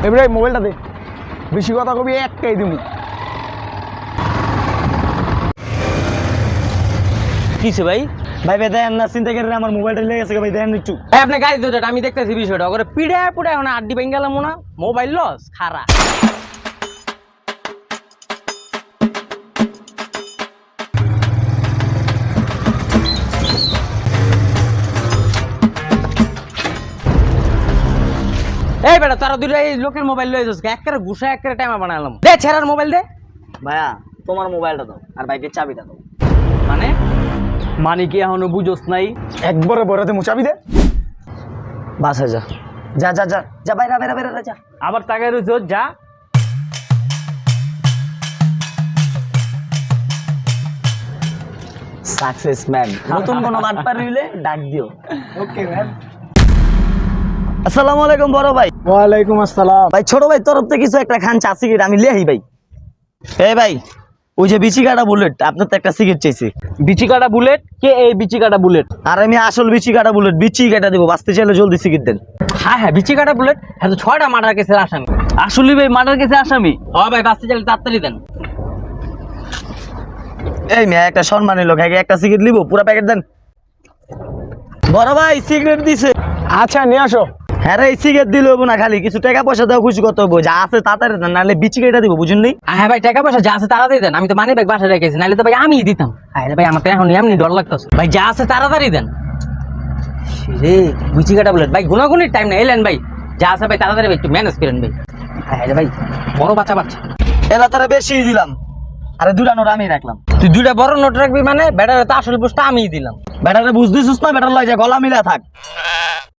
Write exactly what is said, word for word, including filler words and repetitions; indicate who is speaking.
Speaker 1: এবারে মোবাইলটা দে, বেশি কথা কবি একটাই দিমু।
Speaker 2: কিছে ভাই?
Speaker 3: ভাই ভাই দেন না, চিন্তা করেন আমার মোবাইলটা লেগে গেছে ভাই, দেন একটু।
Speaker 2: ভাই আপনি গাড়ি দিতে আমি দেখতেছি বিষয়টা, ওরে পিড়ে পুড়ে এখন আড্ডি ভেঙে গেলাম না, মোবাইল লস খারা। এই বেটা তারা দুইটা এই লোকের মোবাইল লয়ে যাচ্ছে, একেবারে ঘুষা একেবারে টাইমা বানালাম। দে ছেড়ার মোবাইল দে।
Speaker 3: ভাইয়া তোমার মোবাইলটা দাও আর বাইকের চাবিটা দাও।
Speaker 2: মানে মানে কি এখনো বুঝোস নাই?
Speaker 1: একবারে বড় দে, মুচাবি দে।
Speaker 3: বাসা যা যা যা যা যা বাইরা বাইরা বাইরা যা।
Speaker 2: আবার তাকায় রয়েছ, যা।
Speaker 3: সাকসেস ম্যান, নতুন কোনো মাঠপার হইলে ডাক দিও।
Speaker 1: Okay man.
Speaker 3: আসসালামু আলাইকুম বড় ভাই।
Speaker 1: ওয়ালাইকুম আসসালাম।
Speaker 3: ভাই ছোট ভাই তরফ থেকে কিছু একটা খান চা সিগারেট আমি লিয়াই ভাই। এই ভাই ওই যে বিচি কাটা বুলেট, আপনার তো একটা সিগারেট চাইছি।
Speaker 2: বিচি কাটা বুলেট? কে এই বিচি কাটা বুলেট?
Speaker 3: আর আমি আসল বিচি কাটা বুলেট, বিচি কাটা দেবো, বাঁচতে চাইলে জলদি সিগারেট দেন।
Speaker 2: হ্যাঁ হ্যাঁ বিচি কাটা বুলেট, হ্যাঁ তো ছয়টা মার্ডার কেসের আসামি।
Speaker 3: আসলে ভাই মার্ডার কেসে আসামি?
Speaker 2: ও ভাই বাঁচতে চাইলে তাড়াতাড়ি দেন।
Speaker 3: এই মেয়ে একটা সম্মানী লোক, আগে একটা সিগারেট নিবো, পুরো প্যাকেট দেন। বড় ভাই সিগারেট দিছে।
Speaker 1: আচ্ছা নিয়ে আসো।
Speaker 3: হ্যাঁ রে সিগারেট দিলে হবো না, খালি কিছু টাকা পয়সা দেওয়া খুশি করতে হবো, যা আছে তাড়াতাড়ি দেন, নাহলে বিচি কেটে দিব, বুঝুন নি?
Speaker 2: হ্যাঁ ভাই টাকা পয়সা যা আছে তাড়াতাড়ি দেন, আমি তো মানি ব্যাগ বাসায় রেখেছি, নাহলে তো ভাই আমি দিতাম। হ্যাঁ ভাই আমার তো এখন এমনি ডর লাগতেছে ভাই, যা আছে তাড়াতাড়ি দেন। রে বিচি কাটা বুলেট ভাই, গুনাগুনির টাইম না, এলেন ভাই, যা আছে ভাই তাড়াতাড়ি ভাই একটু ম্যানেজ করেন ভাই। হ্যাঁ রে ভাই বড় বাচ্চা বাচ্চা
Speaker 3: এলা তারা বেশি দিলাম, আরে দুটা নোট আমি রাখলাম।
Speaker 2: তুই দুইটা বড় নোট রাখবি মানে? ব্যাটারে তো আসল পোস্টটা আমিই দিলাম।
Speaker 3: ব্যাটারে বুঝতেছিস না, ব্যাটার লয় যা গলা মিলা থাক।